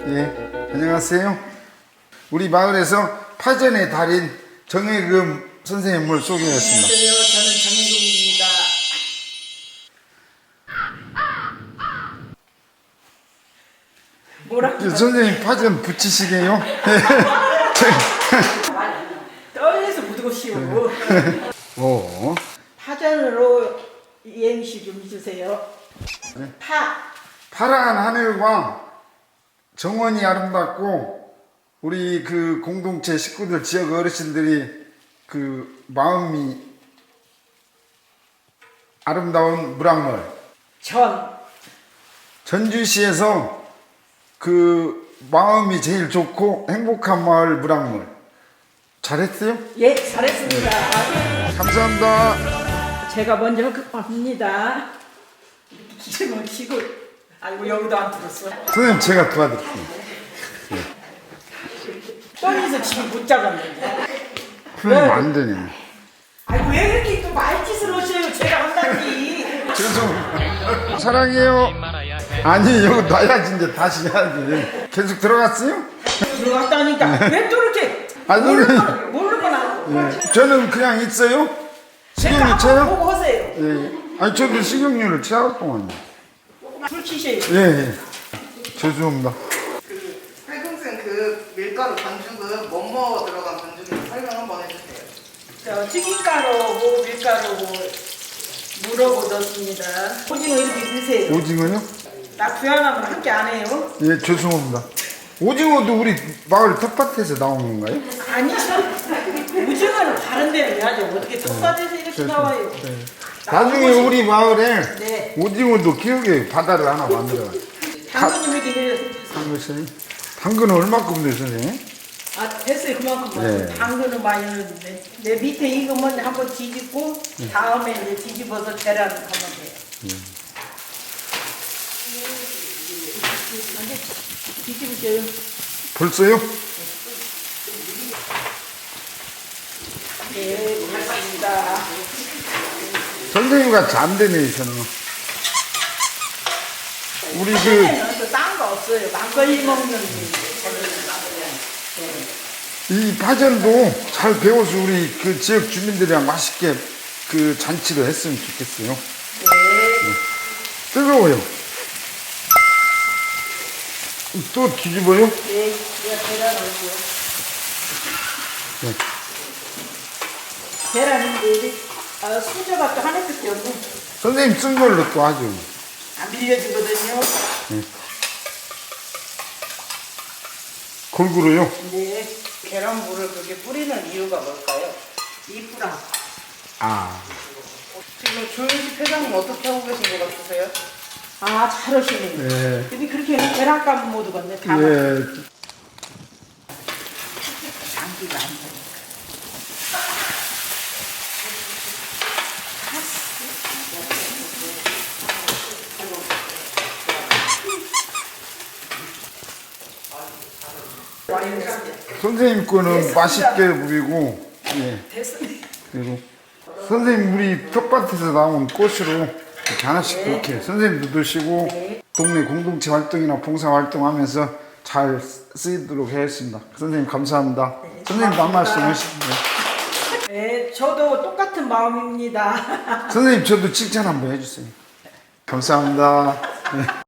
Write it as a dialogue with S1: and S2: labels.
S1: 예, 안녕하세요. 우리 마을에서 파전의 달인 정혜금 선생님을 소개했습니다.
S2: 안녕하세요. 저는 정혜금입니다. 뭐라고?
S1: 선생님 파전 붙이시게요?
S2: 떨려서 묻고 쉬워.
S1: 오,
S2: 파전으로 이행시 좀 해주세요.
S1: 네. 파란 하늘과 정원이 아름답고 우리 그 공동체 식구들 지역 어르신들이 그 마음이 아름다운 물악물 전주시에서 그 마음이 제일 좋고 행복한 마을 물악물 잘했어요?
S2: 예, 잘했습니다.
S1: 감사합니다.
S2: 제가 먼저 합니다. 기침을 치고, 아이고 여기도 안 들었어.
S1: 선생님 제가 도와드릴게요.
S2: 떨려서 지금 못 잡았는데.
S1: 선생님 안 되네.
S2: 아이고 왜 이렇게 또 말짓을 하셔요? 제가 한다니.
S1: 죄송. 사랑해요. 아니 여기 놔야지 이제 다시 해야지. 계속 들어갔어요?
S2: 들어갔다니까. 왜 또 이렇게
S1: 아니,
S2: 모르는 건 안.
S1: 예. 저는 그냥 있어요. 식용유
S2: 한번
S1: 쳐요?
S2: 보고 하세요.
S1: 예. 아니 저도 식용유를 취하겠구만요.
S2: 술 치세요.
S1: 예, 예. 죄송합니다.
S3: 팔금생 그 밀가루 반죽은 뭐뭐 들어간 반죽인지 설명 한번 해주세요.
S2: 저 튀김가루고 밀가루고 물하고 넣습니다. 오징어 이렇게 넣으세요.
S1: 오징어요?
S2: 나 부양하면 함께 안 해요.
S1: 예, 죄송합니다. 오징어도 우리 마을 텃밭에서 나온 건가요?
S2: 아니죠. 오징어는 다른 데는 해야죠. 어떻게 텃밭에서 이렇게 나와요.
S1: 네. 나중에 우리 마을에
S2: 네.
S1: 오징어도 키우게 바다를 하나 만들어요.
S2: 당근 이렇게 넣어요.
S1: 당근 당근은 얼마큼 넣어요, 선생님?
S2: 아 됐어요. 그만큼
S1: 네.
S2: 당근은 많이 넣었는데 내 밑에 익으면 한번 뒤집고 다음에 이제 뒤집어서 계란 하면 돼요. 뒤집으세요.
S1: 벌써요?
S2: 네, 고맙습니다.
S1: 선생님 같이 안 되네, 저는. 우리 그,
S2: 선생님은 또딴 거 없어요. 막걸리 먹는
S1: 이 파전도 잘 배워서 우리 그 지역 주민들이랑 맛있게 그 잔치를 했으면 좋겠어요.
S2: 네.
S1: 뜨거워요. 또 뒤집어요?
S2: 네, 제가 계란 올게요.
S1: 네.
S2: 계란인데 수저가 또 하나밖에 없네.
S1: 선생님 쓴 걸로 또 하죠.
S2: 안 빌려주거든요.
S1: 골고루요?
S2: 네.
S3: 계란물을 그렇게 뿌리는 이유가 뭘까요?
S2: 이쁘라.
S1: 아,
S3: 지금 조윤식 회장님 어떻게 하고 계신 것 같으세요?
S2: 아, 잘하시네.
S1: 네.
S2: 근데 그렇게 계란값 못 얻었네. 다
S1: 예.
S2: 장기가 안 돼.
S1: 선생님 거는 맛있게 부리고, 예.
S2: 됐습니다.
S1: 그리고 선생님 우리 텃밭에서 나온 꽃으로 이렇게 하나씩 이렇게 선생님도 드시고 동네 공동체 활동이나 봉사 활동하면서 잘 쓰이도록 하겠습니다. 선생님 감사합니다. 선생님도 한 말씀 하시죠.
S2: 네, 저도 똑같은 마음입니다.
S1: 선생님 저도 칭찬 한번 해주세요. 감사합니다. 네.